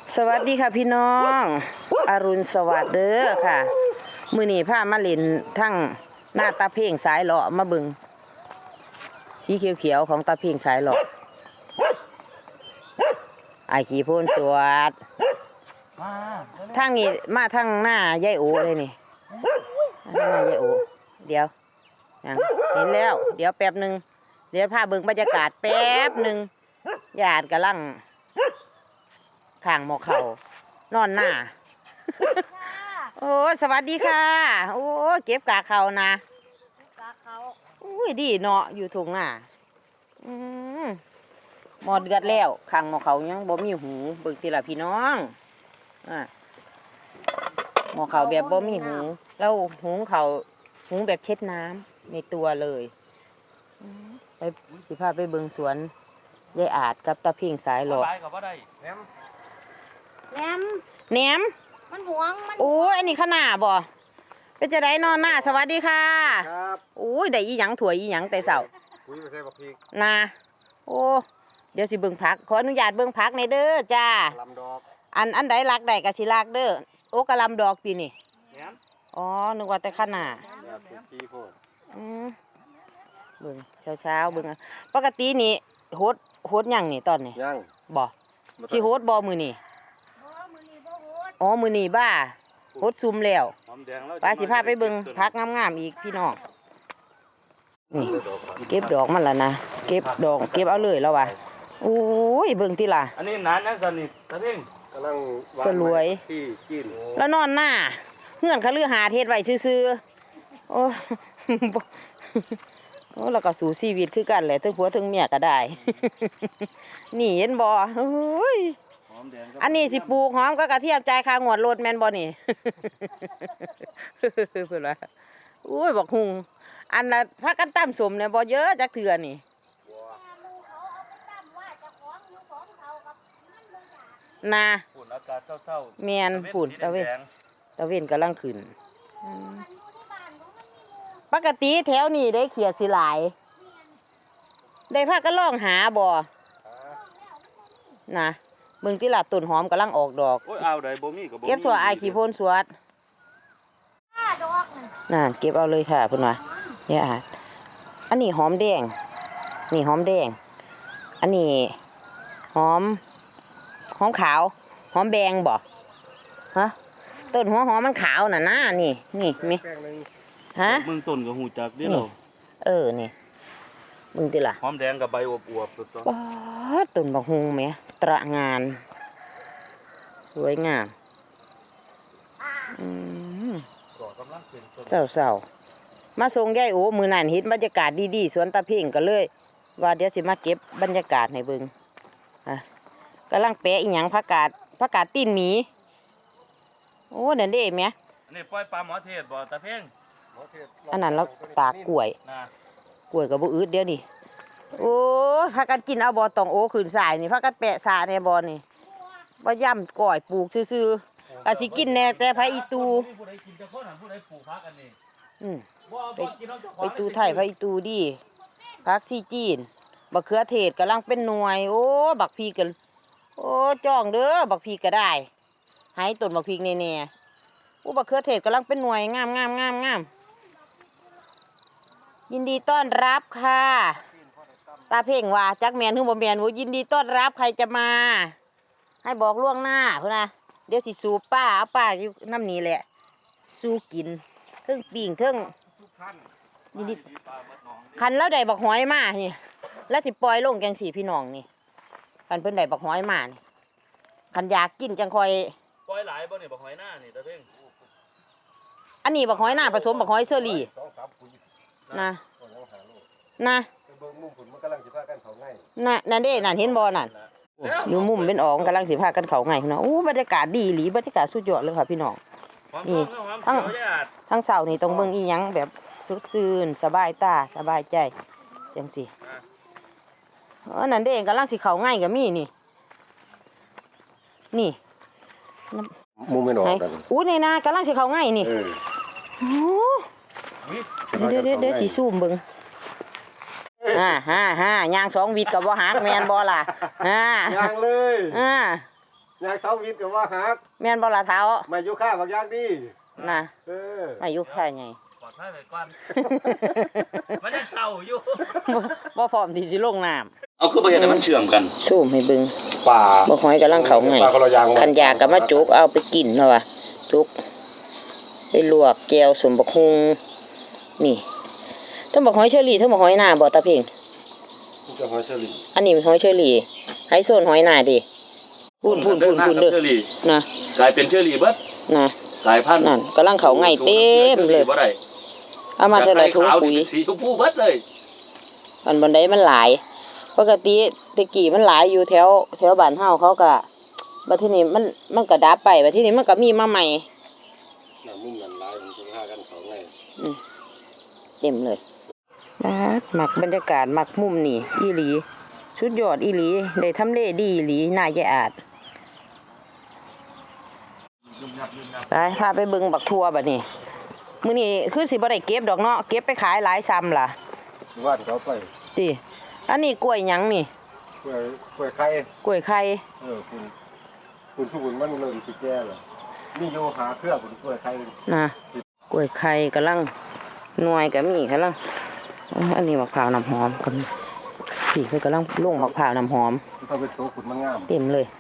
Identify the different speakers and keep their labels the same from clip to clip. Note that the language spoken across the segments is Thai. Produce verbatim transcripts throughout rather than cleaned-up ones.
Speaker 1: สวัสดีค่ะพี่น้องอรุณสวัสดิ์เด้อค่ะมื้อนี้พามาเล่นทั้งหน้าตาเพ่งสายเลาะมาเบิ่งสีเขียวๆของตาเพ่งสายเลาะไอ้ขี้โพนสวัสดทางนี้มาทางหน้ายายโอเลยนี่หน้ายายโอเดี๋ยวยังเห็นแล้วเดี๋ยวแป๊บนึงเดี๋ยวพาเบิ่งบรรยากาศแป๊บนึงญาติกำลังข้างหมอเขานอนหน้า โอ้สวัสดีค่ะโอ้เก็บกากเขานะกากเขาอุ้ยดีเนาะอยู่ทุ่งหน้าอืมหมอเดือดแล้วข้างหมอเขายังบ่มีหูเบิ่งทีละพี่น้องอ่ะหมอเขาแบบบ่มีหูแล้วหูเขาหูแบบเช็ดน้ำในตัวเลยไปสิพาไปเบิ่งสวนยายอาจกับตาเพ่งสายหลอดแหนมแหนมมันหวงมันโอ้ยอันนี้ขนาดบ่เป็นจะได้นอนหน้าสวัสดีค่ะครับโอ้ยได้อีหยังถั่วอีหยังแต่เสาคุยไปใส่บักพริกนะโอ้เดี๋ยวสิเบิ่งพักขออนุญาตเบิ่งพักในเด้อจ้าลำดอกอันอันใดรักใดก็สิรักเด้อโอ้กะลำดอกตีนี่อ๋อนึกว่าแต่ขนาดอืมเบิ่งเช้าเช้าเบิ่งปกตินี่โฮดโฮดยังนี่ตอนนี้ยังบ่สิโฮดบ่มือนี่อ๋อมือนี่บ้าโฮดซุ่มแล้วปลาสิพาไปเบิ่งพักงามๆอีกพี่น้องนี่เก็บดอกมันแล้วนะเก็บดอกเก็บเอาเลยแล้วว่ะโอ้ยเบิ่งติล่ะ
Speaker 2: อันนี้นานนะสันนี่ตาเพ่ง
Speaker 1: กำลังสลวยแล้วนอนหน้าเงื่อนเขาเลือหาเทศไว้ซื่อๆโอ้โอ้แล้วก็สู่ชีวิตคือกันแหละทั้งผัวทั้งเมียก็ได้นี่เห็นบ่เฮ้ยอันนี้สิปลูกหอมก็กระเทียมใจคางวดรถแมนบ่นี่เพื่อนว่าอุ้ยบอกหุงอันน่ะพักกันตั้มสมเนี่ยบ่เยอะจักเถื่อนี่นาฝุ่นอากาศเศร้าๆแมนฝุ่นตะเวนตะเวนกำลังขึ้นปกติแถวนี้ได้เขียดสิหลายได้พากันล่องหาบ่นะเบิ่งที่ละต้นหอมกำลังออกดอก
Speaker 2: โอ้ยเอาได้บ่มีก็บ่มี
Speaker 1: เก็บถั่วไอขี้โพนสวดน่ะเก็บเอาเลยค่ะเพิ่นว่าเนี่ยอ่ะอันนี้หอมแดงนี่หอมแดงอันนี้หอมหอมขาวหอมแดงบ่ฮะต้นหัวหอมมันขาวน่ะนะนี่นี่มีฮะ
Speaker 2: มึงต้นก็หูจักเด้อ
Speaker 1: เออนี่มึงติล่ะ
Speaker 2: หอมแดงกับใบอวบๆตัว
Speaker 1: ป๊าดต้นบักฮุงแหมตระงานสวยงามอืมเศร้าๆมาส่งยายโอมือนั่นเห็นบรรยากาศดีๆสวนตาเพ่งก็เลยว่าเดี๋ยวสิมาเก็บบรรยากาศให้เบิ่งอ่ะกำลังแปะอีหยังผักกาดผักกาดตีนหมีโอ้เด่นเด้แม่
Speaker 2: อันนี้ปล่อยปลาหมอเทศบ่ตาเพ่ง
Speaker 1: อันนั้นเราตากกล้วยกล้วยกับบุอืดเดี๋ยวนี้โอ้ผักกาดกินเอาบ่ตองโอขืนสายนี่ผักกาดแปะสาในบ่นี่ว่าย่ำก่อยปลูกซื่อๆอาทิกินแน่แต่พระอีตูอืมไปไปตูไทยพระอีตูดิพักซีจีนบักเขือเทศกำลังเป็นหน่วยโอ้บักพีกันโอ้จ้องเด้อบักพีก็ได้หายต้นบักพีแน่ๆโอ้บักเขือเทศกำลังเป็นหน่วยงามงามงามงามยินดีต้อนรับค่ะตาเพ่งว่าจักแมนฮึ่งบ่แมนโอ้ยินดีต้อนรับใครจะมาให้บอกล่วงหน้าเพื่อนนะเดี๋ยวสิสูบป้าเอาป้าอยู่น้ำนี้แหละสู้กินเทิงปิ่งเทิงยินดีคันแล้วได้บักหอยมานี่แล้วสิปล่อยลงแกงสีพี่น้องนี่คันเพิ่นได้บักหอยมานี่คันอยากกินจังคอย
Speaker 2: ปล่อยหลายบ่นี่บักหอยหน้านี่ตาเพ่ง
Speaker 1: อันนี้บักหอยหน้าผสมบักหอยเชอรี่นะนะน่ะนั่นเด้นั่นเห็นบ่นั่นอยู่มุมเป็นอ๋องกำลังสิพากันเขาไงเนาะโอ้บรรยากาศดีหลีบรรยากาศสุดยอดเลยค่ะพี่น้องนี่ทั้งทั้งเสานี่ต้องเบิ่งอีหยังแบบสุดซื่นสบายตาสบายใจจังสิเออนั่นเด้กำลังสิเขาง่ายกับมีนี่นี่
Speaker 3: มุมไม่หนอกกัน
Speaker 1: อู้ในนากำลังสิเขาง่ายนี่โอ้เดี๋ยวเดี๋ยวเดี๋ยวสีซูมเบิ่งอ่าฮ่าฮ่ายางสองวิดกับบ่หักแมนบ่ล่ะอ่าย
Speaker 3: างเลย
Speaker 1: อ่า
Speaker 3: ยางเสาวิทย์ก็ว่าหัก
Speaker 1: แม่นบ่ล่ะเท้า
Speaker 3: มาอยู่ข้าบางอย่างดี
Speaker 1: นะ
Speaker 3: เออ
Speaker 1: อายุค่าไง
Speaker 2: ปลอดภัยไปก่อน มันยังเศร้าอยู่
Speaker 1: บ่บ่พร้อมที่สิลงน้ำ
Speaker 2: เอาคือบ่เห็นให้มันเชื่อมกัน
Speaker 1: ซูมให้เบิ่ง
Speaker 3: ป่า
Speaker 1: บ่หอยกำลังเข้าไง
Speaker 3: ป่าคนละอย่าง
Speaker 1: คันอยากก็มาจุกเอาไปกินเนาะว่ะจุกไปลวกแก้วสมบักฮุงนี่ทั้งบักหอยเชอรี่ทั้งบักหอยนาบ่ตาเพ่ง
Speaker 3: มันจะหอยเชอรี่
Speaker 1: อันนี้หอยเชอรี่ไฮโซนหอยนาดิพูนพูนพูนพูนเด้อ
Speaker 2: เชอรี่
Speaker 1: นะ
Speaker 2: กลายเป็นเชอรี่เบิด
Speaker 1: นะ
Speaker 2: กลายพันธุ์
Speaker 1: นั่นกำลังเข้าไงเต็มเลย
Speaker 2: บ่ได้
Speaker 1: เอามาเท่าไหร่ถุง
Speaker 2: ขาว
Speaker 1: ปุ๋ย
Speaker 2: นี่สีชมพูเบิดเลย
Speaker 1: อันบันไดมันหลาย ปกติตะกี้มันหลายอยู่แถวแถวบ้านเฮาเขาก็บัดทีนี้มันมันก็ดับไปบัดทีนี้มันก็มีมาใหม่
Speaker 3: น้ำมุ่งนั่นหลายมันจะพากันเขาไง
Speaker 1: อืมเต็มเลยบาดมักบรรยากาศมักมุมนี่อีหลีสุดยอดอีหลีได้ทำเลดีอีหลีน่าจะอาดไปพาไปเบิ่งบักทัวบัดนี้มื้อนี้คือสิบ่ได้เก็บดอกเนาะเก็บไปขายหลายซ้ำล่ะ
Speaker 3: ว่านเขาไป
Speaker 1: ติอันนี้กล้วยหยังนี่
Speaker 3: กล้วยกล้วยไข่
Speaker 1: กล้วยไข่
Speaker 3: เออคุณคุณทุกคนมันเริ่มสิแก่แล้วมีโยหาเครือคุณกล้วยไข่
Speaker 1: นะกล้วยไข่กำลังหน่วยก็มีกำลังอันนี้มะพร้าวน้ำหอมก็มีพี่เพิ่นกำลังลงมะพร้าวน้ำหอม
Speaker 3: ถ้าเป็นตัวคุณมันงาม
Speaker 1: เต็มเลย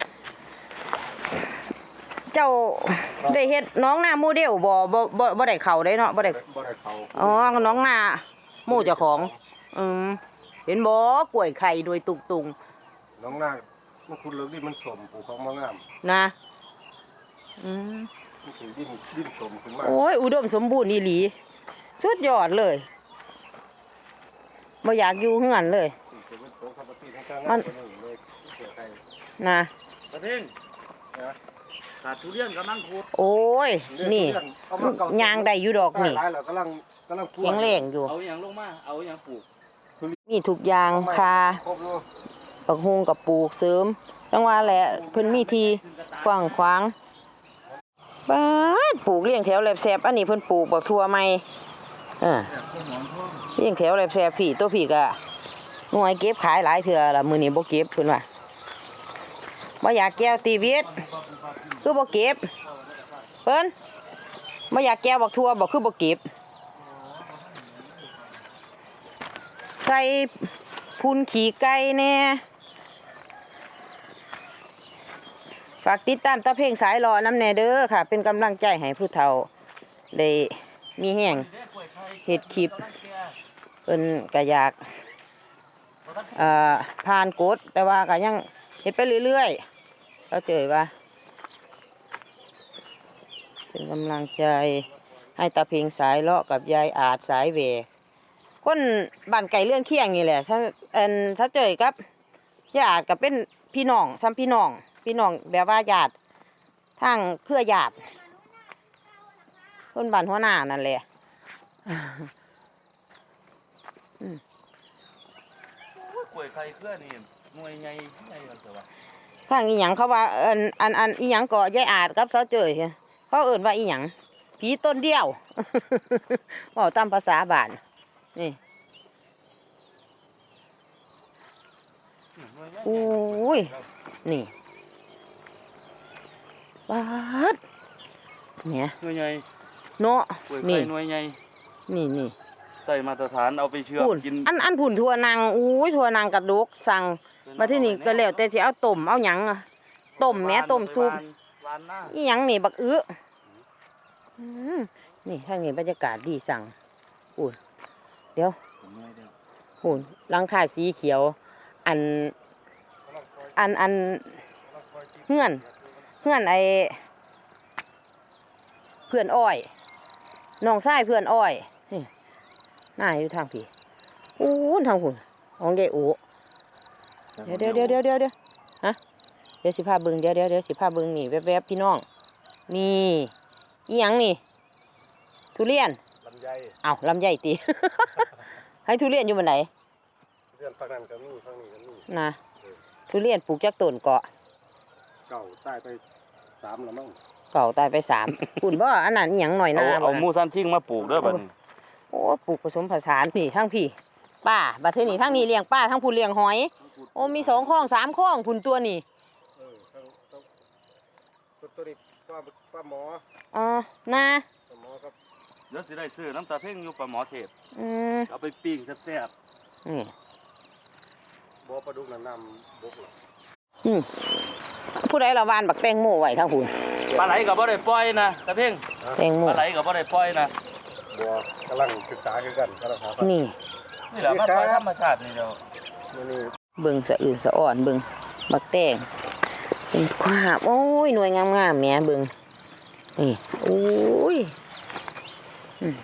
Speaker 1: เจ้าได้เฮ็ดน้องหน้าโมเดลบ่บ่บ่บ่ได้เข้าได้เนาะบ่ได้
Speaker 3: บ่ได้เขา
Speaker 1: อ๋อน้องหน้าหมู่เจ้าของ อืมเห็นบ่กล้วยไข่โดยตุกตุง
Speaker 3: น้องนางมันคุณเลิกดิมันสมปลูกของมันงาม
Speaker 1: นะอืม
Speaker 3: มันถือดินดินสมขึ้นมา
Speaker 1: โอ้ยอุดมสมบูรณ์อีหลีสุดยอดเลยบ่อยากอยู่เฮือนเลย
Speaker 3: เป็นตัวคาปติทั้งข้างงามเลยเลยกล้วยไข่
Speaker 1: นะ
Speaker 2: ตะเพ่ง
Speaker 3: นะ
Speaker 2: ขาดทุเรียนกำลังขุด
Speaker 1: โอ้ยนี่ยางได้อยู่ดอกนี่
Speaker 3: หลายแล้วกำลังกำลัง
Speaker 1: แข็งแรงอยู่
Speaker 2: เอาอย่างลงมา เอาอย่างปลูก
Speaker 1: มีทุกอย่างคา
Speaker 3: ครบอยู่
Speaker 1: ปักฮุงกับปลูกเสริมจังว่าแหละเพิ่นมีที่กว้างขวางบ้านปลูกเลี้ยงแถวแหลบแสบอันนี้เพิ่นปลูกบักทั่วใหม่เออเลี้ยงแถวแหลบแสบพี่ตัวพี่ก็หน่วยเก็บขายหลายเทื่อละมื้อนี้บ่เก็บเพิ่นว่าบ่อยากแก้วตีวิตคือบ่เก็บเพิ่นบ่อยากแก้วบักทั่วบ่คือบ่เก็บใส่พุนขี้ไก่แน่ฝากติดตามตาเพลงสายรอน้ำแน่เด้อค่ะ เป็นกำลังใจให้ผู้เฒ่าได้มีแห่งเฮ็ดคลิปเพิ่นก็อยากเอ่อผ่านกฎแต่ว่าก็ยังเฮ็ดไปเรื่อยๆเขาเจอว่าเป็นกำลังใจให้ตาเพลงสายเลาะกับยายอาจสายเวคนบ้านไก่เลื่อนเคียงนี่แหละถ้าเอ็นถ้าเจอกับญาติก็เป็นพี่น้องซ้ำพี่น้องพี่น้องแบบว่าญาติทางเครือญาติคนบ้านหัวหน้านั่นแหละอืม
Speaker 2: กล้วยไข่เครือนี่หน่วยใหญ่ใหญ่กันเถอะวะ
Speaker 1: ทางอีหยังเขาว่าเอินอันอันอีหยังก็ยายอาจกับเสาเจยเขาเอิ้นว่าอีหยังผีต้นเดียว เว้าตามภาษาบ้านนี่โอ้ยนี่บาดเนี่ย
Speaker 2: หน่วยใหญ่
Speaker 1: เนาะ
Speaker 2: กล้วย
Speaker 1: นี่
Speaker 2: ไข่หน่วยใหญ่
Speaker 1: นี่นี่
Speaker 2: ใส่มาตรฐานเอาไปเชื่อม
Speaker 1: พุ่น
Speaker 2: กิน
Speaker 1: อันอันผุ่นทั่วนางอุ้ยทั่วนางกระดกสั่งมาที่นี่ก็แล้วแต่สิเอาต้มเอาหยังอะต้มแหม่ต้มซุป
Speaker 2: วานหน้า
Speaker 1: อีหยังนี่บักอื้ออืมนี่ทางนี้บรรยากาศดีสั่งอุ่นเดี๋ยวอุ่นหลังคาสีเขียว อัน อันอันเฮือนเฮือนไอเพื่อนอ้อยน้องชายเพื่อนอ้อยนี่หน้าอยู่ทางพี่อู้นทางหุ่นของยายโอเดี๋ยวเดี๋ยวเดี๋ยวเดี๋ยวเดี๋ยวเดี๋ยวฮะเดี๋ยวสิพาเบิ่งเดี๋ยวเดี๋ยวเดี๋ยวสิพาเบิ่งนี่แวบๆพี่น้องนี่อีหยังนี่ทุเรียน
Speaker 3: ลำไย
Speaker 1: เอ้าลำไยตี ให้ทุเรียนอยู่บนไหน
Speaker 3: เรื่องฝั่งนั้นก็มีฝั่งนี้ก็มี
Speaker 1: นะทุเรียนปลูกจากต้นเกาะ
Speaker 3: เก่าใต้ไปสามแล้วมั้ง
Speaker 1: เก่าตายไปสาม คุณบ่อันนั้นอีหยังหน่อยห
Speaker 2: เอา
Speaker 1: น้า
Speaker 2: เอา
Speaker 1: บ่
Speaker 2: หมูซันทิ้งมาปลูกเด้อบัดนี้
Speaker 1: โอ้ปลูกผสมผสานพี่ทั้งพี่ป้าบัดเทอนี้ทั้งนี้เลี้ยงป้าทั้งผู้เลี้ยงหอย โอ้มีสองคลองสามคลองคุณตัวนี่
Speaker 3: เออทั้งทั้งตัวตัวนี้ป้าป้าหมอ
Speaker 1: อ๋อนา
Speaker 3: ป้าหมอครับ
Speaker 2: เดี๋ยวสิได้ซื้อน้ำตาเพ่งอยู่ปลาหมอเทพ
Speaker 1: อืม
Speaker 2: เอาไปปิ้งแซ่บ
Speaker 1: นี่
Speaker 3: บ่ปลาดุกน้ำน้ำบกหรอก
Speaker 1: อืมผู้ใดละวานบักแตงโมไว้ทั้งหุ่น
Speaker 2: ๆปลาไหลก็บ่ได้ปล่อยนะตาเพ่ง
Speaker 1: แตงโม
Speaker 2: ปลาไหลก็บ่ได้ปล่อยนะ
Speaker 3: บัวกำลังศึกษาคือกันกำลังหาพันธุ์
Speaker 1: นี่
Speaker 2: นี่แหละมันปล่อยธรรมชาตินี่เดียว
Speaker 3: นี่นี่
Speaker 1: เบิ่งสะอื่นสะอ่อนเบิ่งบักแตงเป็นความโอ้ยหน่วยงามๆแหม่เบิ่งนี่โอ้ยอืม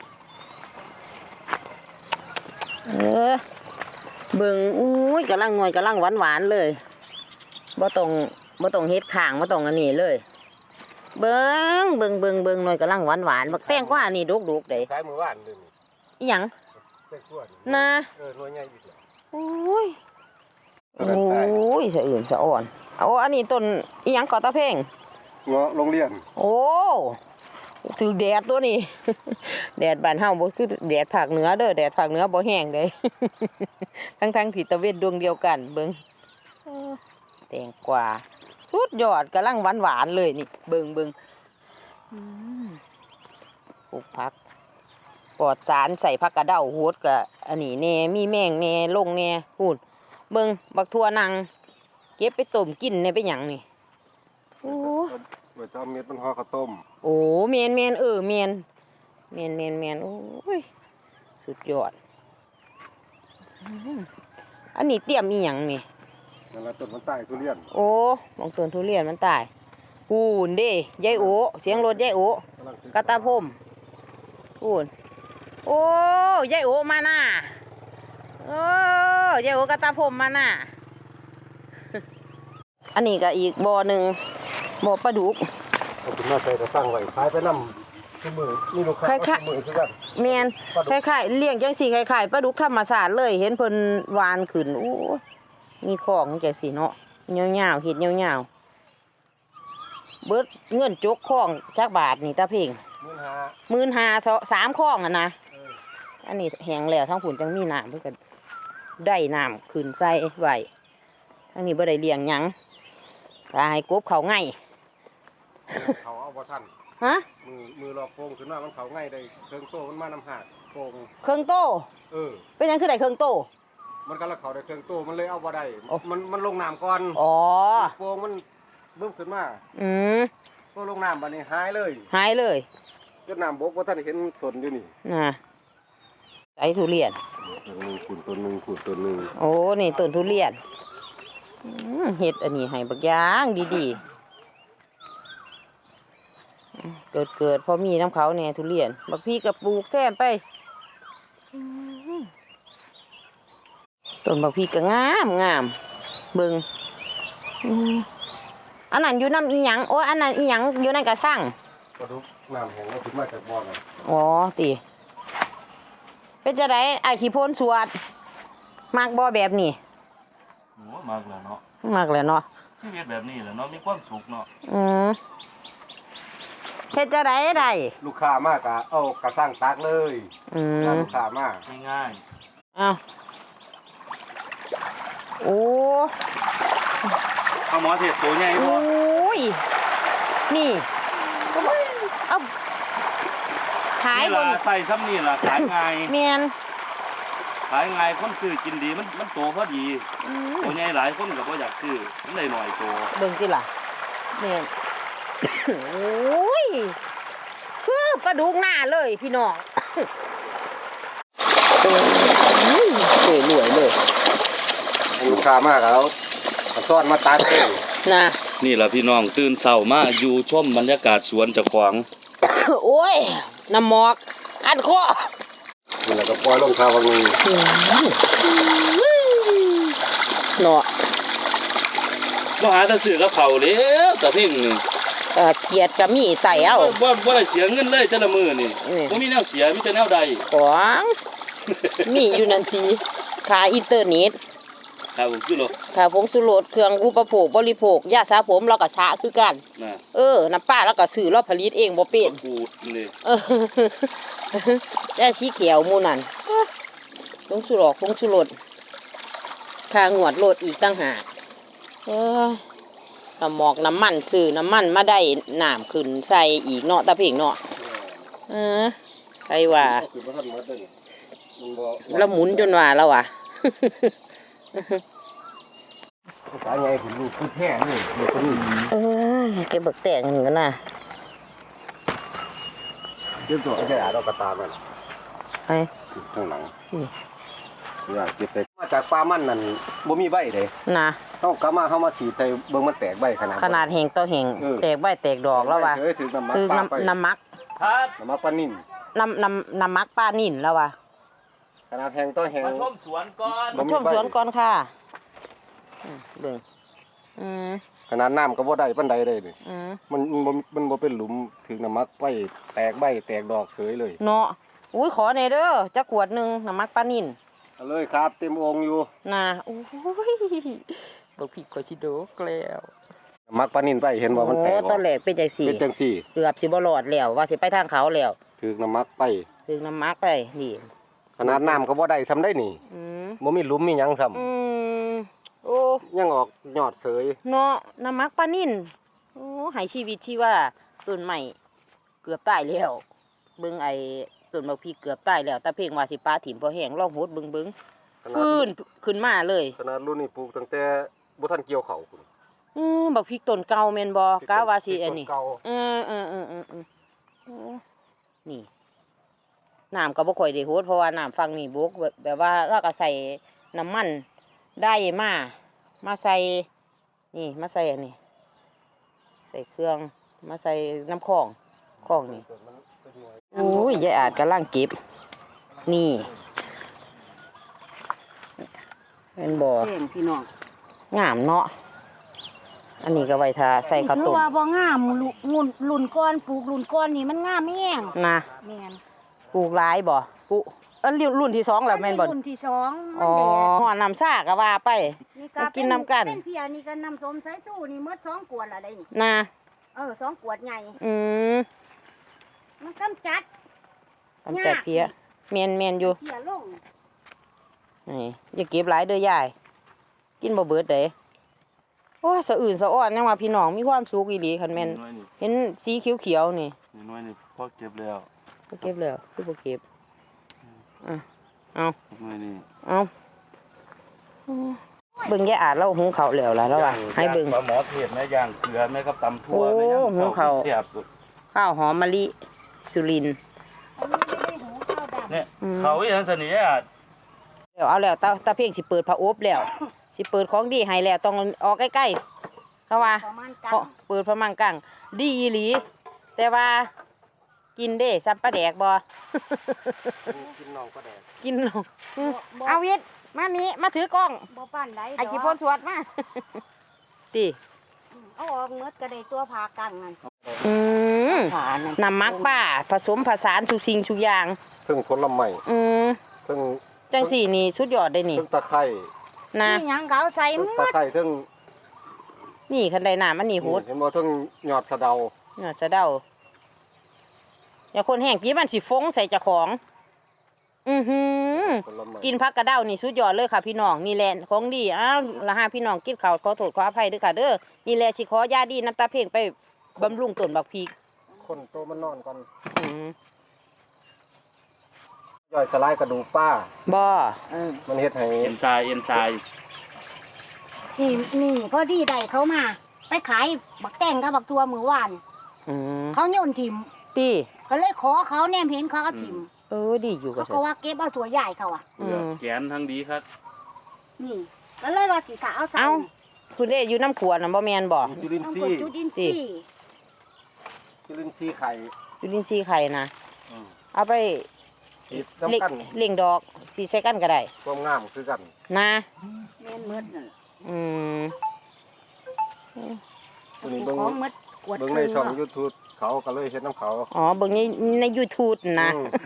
Speaker 1: เออเบิ่งอุ้ยกำลังหน่วยกำลังหวานหวานๆเลยบ่ต้องบ่ต้องเฮ็ดข้างบ่ต้องอันนี้เลย เบิ่งเบิ่งเบิ่งเบิ่งหน่วยกำลังหวานหวานๆบักแตงกว่านี่ดุกๆเด้
Speaker 3: ขายมือว่านเลยนี่
Speaker 1: อิหยัง
Speaker 3: แตงส่วน
Speaker 1: นะ
Speaker 3: เออหน่วยใหญ่อีกแล้ว
Speaker 1: โอ้ย
Speaker 3: ตัวนั้นตาย
Speaker 1: โอ้ยสะอื่นสะอ่อนโอ้อันนี้ต้นอิหยังก่อตะเพ่ง
Speaker 3: เงาะโรงเรียน
Speaker 1: โอ้ถือแดดตัวนี้ แดดบ้านเฮาบ่คือแดดภาคเหนือเด้อแดดภาคเหนือบ่แห้งเด้ ทั้งๆที่ตะเวนดวงเดียวกันเบิ่งเออแตงกวาสุดยอดกำลังหวานๆเลยนี่เบิ่งเบิ่งอืมปลูกผักปลอดสารใส่ผักกระเด้าโหดก็อันนี้แน่มีแมงแน่ลงแน่พูนเบิ่งบักทั่วนังเก็บไปต้มกินในไปหยังนี่โอ้
Speaker 3: ไว้จะเอาเม็ดมันห่อข้าวต้ม
Speaker 1: โอ้เมียนเมียนเออเมียนเมียนเมียนเมียนโอ้ยสุดยอดอื้อหืออันนี้เตรียมอีหยังนี่
Speaker 3: นั่นละต้นมันตายทุเรียน
Speaker 1: โอ้มองต้นทุเรียนมันตายปูนเด้ยายโอเสียงรถยายโอก
Speaker 3: ำลังศึษ
Speaker 1: กระตาพรมปูนโอ้ยายโอมาหน้าโอ้ยายโอกระตาพรมมาหน้า อันนี้ก็อีกบ่อหนึ่งบ่อปลาดุก
Speaker 3: เอาขึ้นมาใส่กระสังไว้ขายไปนำทุกมื้อมีลูกค้า
Speaker 1: คล้ายๆ
Speaker 3: ทุกมื้อคือกัน
Speaker 1: เมียน
Speaker 3: ปลาดุ
Speaker 1: ค
Speaker 3: ก
Speaker 1: ล้ายๆเลี้ยงจังสีคล้ายๆปลาดุกธรรมศาสตร์เลยเห็นเพิ่นวานขึ้นโอ้ยมีของจังสีเนาะยาวๆเห็ดยาวๆเบิดเงินจกข้องจักบาทนี่ตาเพ่ง
Speaker 3: มื้อหา
Speaker 1: หมื่นหาสามข้องอ่ะนะ
Speaker 3: เออ
Speaker 1: อันนี้แห้งแล้วทั้งผุนจังมีน้ำเพื่อก็ได้น้ำขึ้นใส่ไว้ทั้งนี้บ่ได้เลี้ยงหยังตายกบเขาง่าย
Speaker 3: เขาเอาบ่ทัน
Speaker 1: ฮะ
Speaker 3: มือมือรอโป่งขึ้นมามันเขาง่ายได้เครื่องโตมันมาน้ำหากโป่ง
Speaker 1: เครื่องโต
Speaker 3: เออ
Speaker 1: เป็นหยังคือได้เครื่องโต
Speaker 3: มันก็ละเขาได้เครื่องโตมันเลยเอาบ่ได้
Speaker 1: โอ้
Speaker 3: มันมันลงน้ำก่อน
Speaker 1: อ๋อ
Speaker 3: โป่งมันบึ้มขึ้นมา
Speaker 1: อืม
Speaker 3: ก็ลงน้ำบัดนี้หายเลย
Speaker 1: หายเลย
Speaker 3: จนน้ำบกว่าท่านเห็นสนอยู่นี่
Speaker 1: นะใส่ทุเรียน
Speaker 3: ต้นหนึ่งขุดต้นหนึ่งขุดต้นหนึ่ง
Speaker 1: โอ้ นี่ต้นทุเรียนอืมเห็ดอันนี้ให้บักย่างดีๆอืมเกิดเกิดพอมีน้ำเขาเนี่ยทุเรียน บักพี่กับปลูกแซมไปอืมต้นบักพี่ก็งามงามเบิงอืมอันนั้นอยู่น้ำอีหยังโอ้ยอันนั้นอีหยังอยู่ในกระช่าง
Speaker 3: กระดูกน้ำแห้งก็ขึ้นมาจากบ่อน่ะ
Speaker 1: อ๋อตีเป็นจะได้ไอ้ขี้โพนสวดมากบ่แบบนี้
Speaker 2: โอ้มากแล้วเนาะ
Speaker 1: มากเลยเนาะ
Speaker 2: ชีวิตแบบนี้แหละเนาะมีความสุขเนาะ
Speaker 1: อืมเฮ็ดจะได้ได้
Speaker 3: ลูกค้ามากะเอากระสร้างตักเลย
Speaker 1: อื
Speaker 3: ถ้าม ลูกค้ามา
Speaker 2: ง่าย
Speaker 1: อ้าวโอ้
Speaker 2: ๆเอาหมอเทพตัวใหญ่
Speaker 1: โอ
Speaker 2: บ่
Speaker 1: ้ยนี่เอาขาย
Speaker 2: นี่
Speaker 1: บ
Speaker 2: ล่ะ
Speaker 1: น
Speaker 2: ใส่ซ้ำนี่ล่ะขายง่าย
Speaker 1: เมียน
Speaker 2: ขายง่ายคนซื้อกินดีมันมันโตพอดี
Speaker 1: อืม
Speaker 2: ตัวใหญ่หลายคนก็บ่อยากซื้อมันได้หน่อยโต
Speaker 1: เบิ่งสิล่ะเมียน โอ้ยคือปลาดุกหน้าเลยพี่น้อง สวยรวยเลย
Speaker 3: ลูกค้ามากแล้วกระซ้อนมาตักเลย
Speaker 1: นะ
Speaker 2: นี่ล่ะพี่น้องตื่นเช้ามาอยู่ชมบรรยากาศสวนเจ้าของ
Speaker 1: โอ้ย น้ำหมอกอันคอ
Speaker 3: นี่แหละก็ปล่อยลงทางวังนี้
Speaker 1: เนาะ
Speaker 2: บ่หาแต่ซื้อกับเขาวแล้วแต่เพ่งนี่
Speaker 1: เออเกียดก็มีใส่เอา
Speaker 2: บ่บ่ได้เสียเงินเลยแต่ละมื้อนี่
Speaker 1: อืม
Speaker 2: บ่มีแนวเสียมีแต่แนวใด
Speaker 1: ของมีอยู่นั่นทีขาอินเทอร์เน็ต
Speaker 2: ครับผมคือโล
Speaker 1: ขาผงสุรสเครื่องอุปโภคบริโภคยาสระผมเราก็ชะคือกัน
Speaker 2: น่ะ
Speaker 1: เออ น้ำป้าเราก็ซื้อเราผลิตเองบ่เป็น
Speaker 2: กูดนี่
Speaker 1: เออ ได้สีเขียวหมูนั่นผงสุรสผงสุรสค่างวดโลดอีกตั้งหากเออน้ำหมอกน้ำมันซื้อน้ำมันมาได้น้ำขึ้นใส่อีกเนาะตาเพ่งเนาะเออใครว่า
Speaker 3: คือบ่ทันหมดเด้อมันบ่
Speaker 1: แล้วหมุนจนว่าแล้วว่ะ
Speaker 3: สายใหญ่ถึงลูกคือแท้นี่เด็กคนนี้
Speaker 1: เออเก็บบักแตงกันนะ
Speaker 3: เก็บตัวไอ้แก่ดอกกระตามัน
Speaker 1: ไอ้
Speaker 3: ข้างหลัง
Speaker 1: อืม
Speaker 3: อยากเก็บไปมาจากปลามันนั่นบ่มีใบเด้
Speaker 1: นะ
Speaker 3: เฮากลับมาเฮามาสีดใส่เบิ่งมันแตกใบขนาด
Speaker 1: ขนาดเฮงต่อเฮง
Speaker 3: เออ
Speaker 1: แตกใบแตกดอกแล้วว่ะ
Speaker 3: เอ้ยถึงน้ำมัน
Speaker 1: คือ
Speaker 3: ปลาไป
Speaker 1: น้ำน้ำมัก
Speaker 2: ครับ
Speaker 3: น้ำมันปลานิ่ม
Speaker 1: น้ำน้ำน้ำมักป้านิ่นแล้วว่ะ
Speaker 3: ขนาดแห้งต่อแห้ง
Speaker 2: มาชมสวนก่อน
Speaker 3: บ่
Speaker 1: มาชมสวนก่อนค่ะอืมเบิ่งอืม
Speaker 3: ขนาดน้ำก็บ่ได้ปานใดเลยนี่
Speaker 1: อืม
Speaker 3: มันมันบ่มันบ่เป็นหลุมถึงน้ำมักไปแตกใบแตกดอกเสยเลย
Speaker 1: เนาะอุ้ยขอในอยเด้อจักขวดหนึงน้ำมักป้านิ่น
Speaker 3: เอาเลยครับเต็มองค์อยู่
Speaker 1: นะโอ้ยบอกผิดกว่าชิโดกแล้ว
Speaker 3: น้ำมักปลานิ่นไปเห็นว่ามันแตก
Speaker 1: โอ้ตอนแรกเป็นจังสี่
Speaker 3: เป็นจังซี่
Speaker 1: เกือบสิบ่รอดแล้วว่าสิไปทางเขาแล้ว
Speaker 3: ถึงน้ำมักไป
Speaker 1: ถึงน้ำมักไปนี่
Speaker 3: ขนาดน้ำก็บ่ได้ทำได้นี่
Speaker 1: อืม
Speaker 3: บ่มีหลุมมีหยังซ้ำ
Speaker 1: อืมโอ้
Speaker 3: ยังออกยอดเสย
Speaker 1: เนาะน้ำมักปลานิ่นโอ้ใหายชีวิตที่ว่าต้นใหม่เกือบตายแล้วเบิ่งไอ้ต้นบักพริกเกือบตายแล้วแต่เพ่งว่าสิปลาถิ่มพอแห้งลองโหดเบิ่งเบิ่ง
Speaker 3: ขนาด
Speaker 1: ฟื้นขึ้นมาเลย
Speaker 3: ขนาดรุ่นนี้ปลูกตั้งแต่บ่ทันเกี่ยวเขาพุ่น
Speaker 1: อืมบักพริกต้นเก่าแม่นบ่กะว่าสิอันนี้
Speaker 3: เก่า
Speaker 1: เออเออเออเออเออโอ้นี่น้ำก็บ่ค่อยได้โหดเพราะว่าน้ำฝั่งนี้บกแบบแบบว่าเราก็ใส่น้ำมันได้มามาใส่นี่มาใส่อันนี้ใส่เครื่องมาใส่น้ำข้องข้องนี่โอ้ยยายอาจกำลังเก็บนี่เป็นบ่อ
Speaker 4: แจ้งพี่น้อง
Speaker 1: งามเนาะอันนี้ก็ไว้ทาใส่ข้าว
Speaker 4: ถื
Speaker 1: ต้
Speaker 4: อ
Speaker 1: ม
Speaker 4: ว่าบ่งามลุรุ่นรุ่นก้อนปลูกรุ่นก้อนนี่มันงามแห้ง
Speaker 1: นะ
Speaker 4: แม่น
Speaker 1: ปลูกหลายบ่ปลูกอันรุ่นรุ่นที่สองแล้วแม่นบ่
Speaker 4: รุ่นที่สองมั
Speaker 1: อ๋
Speaker 4: น
Speaker 1: อ
Speaker 4: แดด
Speaker 1: หัวน้ำซ่าก็ว่าไป
Speaker 4: นี่
Speaker 1: มากินน้ำกัน
Speaker 4: เป็นเพียนี่ก็น้ำส้มสายสู้นี่หมดสองขวดละได้นี่
Speaker 1: นะ
Speaker 4: เออสองขวดใหญ่
Speaker 1: อืม
Speaker 4: มันกำจัด
Speaker 1: กำจัดเพี้ยเมียนเมียนอยู่
Speaker 4: เพียลง
Speaker 1: นี่อย่าเก็บหลายเด้อยาย กินบ่เบิดเด้โอ้ยสะอื่นสะอ้อนยังว่าพี่น้องมีความสุขอีหลีคันแม่น
Speaker 2: น้อยนี่
Speaker 1: เห็นสีเขียวๆนี่
Speaker 2: น้อยนี่พอเก็บแล้ว
Speaker 1: บ่เก็บแล้วคือบ่เก็บอ่ะเอา
Speaker 2: น้อยนี่
Speaker 1: เอาเบิ่งยายอาจเราหุงข้าวแล้วล่ะแล้วว่าให้เบิ่ง
Speaker 2: ปลาหมอเทศแม่ย่างเกลือแม่กับตำทั่ว
Speaker 1: โอ้
Speaker 2: แม่ย่าง
Speaker 1: หมูเขา
Speaker 2: เสียบ
Speaker 1: ข้าวหอมมะลิสุรินทร์
Speaker 4: อันนี้ไม่ได้หูข้าวดำ
Speaker 2: เนี่ย
Speaker 1: อืม
Speaker 2: เขาอีหยังสนิทอ่ะ
Speaker 1: เดี๋ยวเอาแล้วตาตาเพ่งสิเปิดผ้าอบแล้ว สิเปิดของดีให้แล้วต้องออกใกล้ๆเขาว่า
Speaker 4: ประมาณกั
Speaker 1: เพราะเปิดพระมังกังดีอีหลี แต่ว่ากินเด้ซับปลาแดกบ่
Speaker 3: กินน้องก็แดก
Speaker 1: กินลงเอาวิทย์มานี้มาถือกล้อง
Speaker 4: บ่ปานใด
Speaker 1: ไอ้ขี้พ่นสวดมา ติ
Speaker 4: เอาออกเมดก็ได้ตัวผากังนั่น
Speaker 1: อืม
Speaker 4: ผานั่น
Speaker 1: น้ำมักป้าผสมผสานทุกสิ่งทุกอย่าง
Speaker 3: เพิ่งผลไม้
Speaker 1: อืม
Speaker 3: เพิ่ง
Speaker 1: จังสี่นี่สุดยอดได้นี่
Speaker 3: เพิ่งตะไคร้
Speaker 1: นะ
Speaker 4: นี่หยังก็เอาใส่
Speaker 3: เพิ่ง
Speaker 4: หม
Speaker 3: ตะ
Speaker 4: ด
Speaker 3: ไคร้เพิ่ง
Speaker 1: นี่คันใดน้ำมันนี่โหด
Speaker 3: เห็นบ่เพิ่งยอดสะเดา
Speaker 1: เนี่ยสะเดาอย่าคนแห้งพี่มันสิฟงใส่เจ้าของ อือหือ
Speaker 3: ผลไม้
Speaker 1: กินผักกระเด้านี่สุดยอดเลยค่ะพี่น้องนี่แหละของดีอ้าวละห้าพี่น้องกินข้าวขอโทษขออภัยด้วยค่ะเด้อนี่แหละสิขอยาดีน้ำตาเพ่งไปบำรุงต้นบักพริก
Speaker 3: คนโตมันนอนก่อน
Speaker 1: อืม
Speaker 3: ย่อยสลายกระดูกป้า
Speaker 1: บ่
Speaker 4: เออ
Speaker 3: มันเฮ็ดให้
Speaker 2: เอ็นซายเอ็นซาย
Speaker 4: นี่นี่พอดีได้เขามา ไปขายบักแตงกับบักทัวมือวาน
Speaker 1: อืม
Speaker 4: เขาโยนถิ่ม
Speaker 1: ตี
Speaker 4: ก็เลยขอเขาแนมเห็นเขาก็ถิ่ม
Speaker 1: เออดีอยู่กั
Speaker 4: เขา
Speaker 1: บ
Speaker 4: ก็ว่าเก็บเอาตัวใหญ่เขาอ่ะ
Speaker 1: อืม
Speaker 2: แกนทั้งดีครับ
Speaker 4: นี่ก็เลยว่าสิขาเอาใส่
Speaker 1: เอ้าคุณเด้อยู่น้ำขวดน่ะบ่แม่นบ่
Speaker 3: จุลิน
Speaker 4: ต้อง
Speaker 3: ทรี
Speaker 4: กด
Speaker 3: ย์
Speaker 4: จุดินทรีย์
Speaker 3: จุลินทรีย์ไข่
Speaker 1: อยู่ดินซีไข่นะ
Speaker 2: อืม
Speaker 1: เอาไป
Speaker 3: ฉีด
Speaker 1: เล่ง
Speaker 3: น้ำกัน
Speaker 1: เล่งดอกสีใส่กันก็ได้
Speaker 3: ความงามคือกัน
Speaker 1: นะ
Speaker 4: แม่นเมดนั่น
Speaker 1: อืม
Speaker 3: ตัวนี้
Speaker 4: ข
Speaker 3: เบิ่ง
Speaker 4: องเมดกวด
Speaker 3: เบิ่ง
Speaker 4: ค
Speaker 3: ใน
Speaker 4: รึ่ง
Speaker 3: ช่อง
Speaker 4: เนาะ
Speaker 3: YouTube เขาก็เลยเฮ็ดน้ำเขา
Speaker 1: อ๋อเบิ่งในใน YouTube นะ
Speaker 3: อืม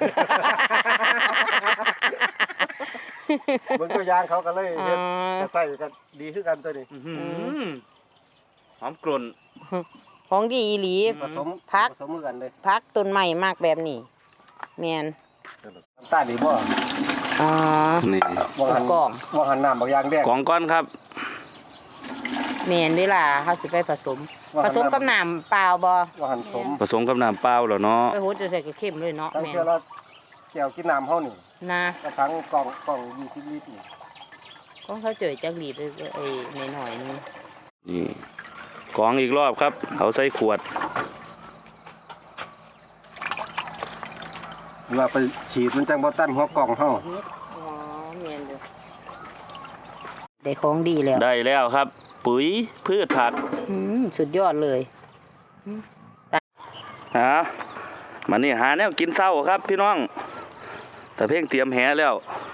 Speaker 3: เบิ่งตัวอย่างเขาก็เลย
Speaker 1: อ๋อ
Speaker 3: เฮ็ดก็ใส่ก็ดีคือกันตัวนี้
Speaker 2: อื้อหือหอมกลุ่น
Speaker 1: ของดีอีหลี
Speaker 3: ผสม
Speaker 1: พัก
Speaker 3: ผสมกันเลย
Speaker 1: พักต้นใหม่มากแบบนี้แมน
Speaker 3: น้ำตาลดีบ่
Speaker 1: อ๋อ
Speaker 2: นี่
Speaker 3: บ่หัน
Speaker 1: กล่อง
Speaker 3: บ่หันน้ำบางอย่างแดง
Speaker 2: กล่องก้อนครับ
Speaker 1: แม่นเวลาเขาสิไปผสม ผสมกับน้ำเปล่าบ่
Speaker 3: ว่าหันสม
Speaker 2: ผสมกับน้ำเปล่าแล้วเนาะ
Speaker 1: ไปโหจะใส่กระเข้มเลยเนาะ
Speaker 3: ตั้ง
Speaker 1: แม่น
Speaker 3: เทื่อละแก้วกินน้ำเฮานี่
Speaker 1: นะ
Speaker 3: กระถังกล่องกล่องยี่สิบลิตรนี่
Speaker 1: ของเขาเจอจักรีดเลยไอ้หน่อยๆนึง
Speaker 2: นี่กรองอีกรอบครับเอาใส่ขวด
Speaker 3: เวลาไปฉีดมันจังบ่ตันหัวกล่องเฮา
Speaker 1: อ๋อแม่นอยู่ได้ของดีแล้ว
Speaker 2: ได้แล้วครับ ปุ๋ยพืชผัก
Speaker 1: อืมสุดยอดเลย
Speaker 2: ฮะมานี่หาแนวกินเศร้าครับพี่น้องแต่เพ่งเตรียมแหแล้ว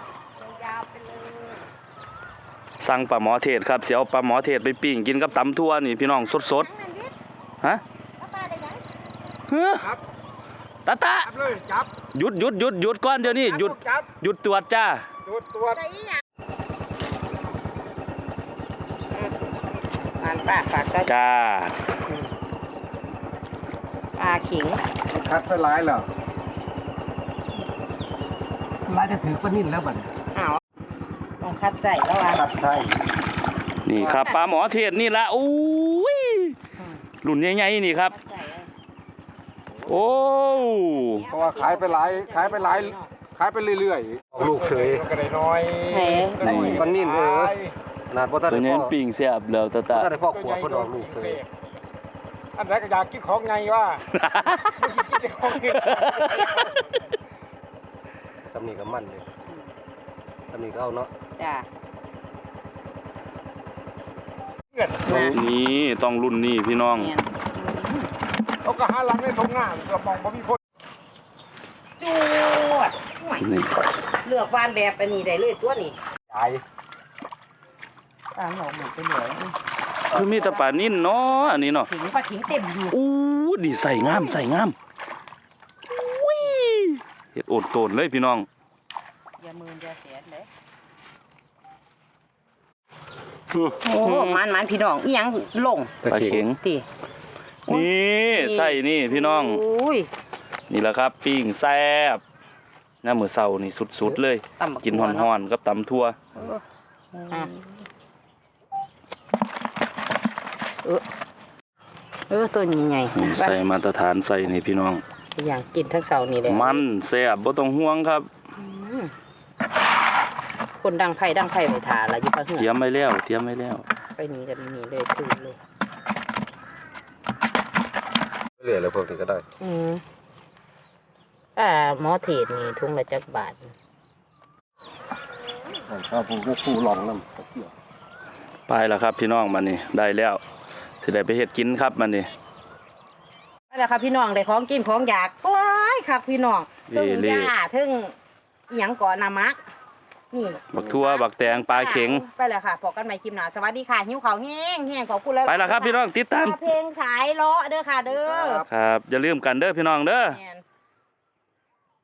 Speaker 2: สั่งปลาหมอเทศครับเสียวปลาหมอเทศไปปิ้งกินกับตำทั่วนี่พี่น้องสดๆฮะเฮ้อตาตา
Speaker 3: จับเลยจับ
Speaker 2: หยุดหยุดหยุดหยุดก่อนเดี๋ยวนี้หยุด
Speaker 3: จับ
Speaker 2: หยุดตรวจจ้า
Speaker 3: ตรวจตรวจ
Speaker 1: งานป้าฝากก็
Speaker 2: จ้า
Speaker 1: ปลาขิง
Speaker 3: คัดไปหลายแล้วหลายจะถือปลานิ่นแล้วบัด
Speaker 1: อ้าวต้องคัดใส่แล้วอ่ะ
Speaker 3: คัดไส้
Speaker 2: นี่ครับปลาหมอเทศนี่ละอุ้ยรุ่นใหญ่ๆนี่ครับ
Speaker 1: คัดใส่อะ
Speaker 2: โอ้
Speaker 3: เพราะว่าขายไปหลายขายไปหลายขายไปเรื่อยๆลูกเฉยก็ได้น้อย
Speaker 1: แหม
Speaker 3: ปลานิ่นเออขนาดบ่ทัน
Speaker 2: ตัว
Speaker 3: ได้
Speaker 2: นี้
Speaker 3: พ่อ
Speaker 2: ปิ้งเสียบแล้วตาตา
Speaker 3: บ่ทันได้พ่อขวบเพิ่นออกลูกเฉย
Speaker 5: อันแรกก็อยากกินของไงว่าไม่กินของกิน
Speaker 3: สำนีก็มั่นเลยสำนีก็เอาเนาะ
Speaker 1: จ้า
Speaker 2: นี่ต้องรุ่นนี้พี่น้อง
Speaker 1: แม่น
Speaker 5: เขาก็หาหลังในทงหน้าก็มองบ่มีคน
Speaker 1: จวดโอ้ย
Speaker 2: นี่
Speaker 1: เลือกวานแบบอันนี้ได้เลยตัวนี้
Speaker 3: ใหญ่
Speaker 1: ตามหอกหมดไปเหลือ
Speaker 2: คือมีแต่ปลานิ่นเนาะอันนี้เนาะ
Speaker 1: ขิงปลาขิงเต็มอยู่
Speaker 2: อู้ดีใส่งามใส่งามอุ้ยเฮ็ดโอดโตนเลยพี่น้อง
Speaker 1: อย่ามืออย่าแสนเลย
Speaker 2: โอ้
Speaker 1: โอ้โหมันมันพี่น้องอีหยังลง
Speaker 2: ปลาเข็ง
Speaker 1: ติ
Speaker 2: นี่ใส่นี่พี่น้อง
Speaker 1: อุ้ย
Speaker 2: นี่แหละครับปิ้งแซ่บน้ำมือเสานี่สุดๆเลย
Speaker 1: ตำบั
Speaker 2: กินห่อนๆกับตำทั่ว
Speaker 1: ๆอ่ะเออเออตัวนี้ไง
Speaker 2: นี่ใส่มาตรฐานใส่นี่พี่น้อง
Speaker 1: อย่างกินทั้งเสาร์นี่เลย
Speaker 2: มันแซ่บบ่ต้องห่วงครับ
Speaker 1: คนดังไผ่ดังไผ่ไปทาละอยู่ปะเหื
Speaker 2: เตรี
Speaker 1: อย
Speaker 2: มไว้แล้วเตรียมไว้แล้ว
Speaker 1: ไปนี่กันนี่เลยคือเลย
Speaker 3: เหลือแล้วพวกนี้ก็ได้
Speaker 1: อืมอ่าหมอเทศนี่ทุ่งละจักบาท
Speaker 3: ข้าวผูก็คู่หลองน้ำ
Speaker 2: ไปแล้วครับพี่น้องมันนี่ได้แล้วสิได้ไปเฮ็ดกินครับมันนี่
Speaker 1: ไปแล้วครับพี่น้องได้ของกินของอยากโอ้ยครับพี่น้อง
Speaker 2: เล่
Speaker 1: ถึง
Speaker 2: เล่
Speaker 1: ยาถึงอีหยังก่อนนามัก นี่
Speaker 2: บักทั่วบักแตงปลาเข็ง
Speaker 1: ไปแล้วค่ะพบกันใหม่คลิปหน้าสวัสดีค่ะหิวข้าวแห้งแห้งขอบคุณเลย
Speaker 2: ไปแล้วครับพี่น้องติดตาม
Speaker 1: เพลงสายเลาะเด้อค่ะเด้อ
Speaker 2: ครับอย่าลืมกันเด้อพี่น้องเด้อ
Speaker 1: แม่น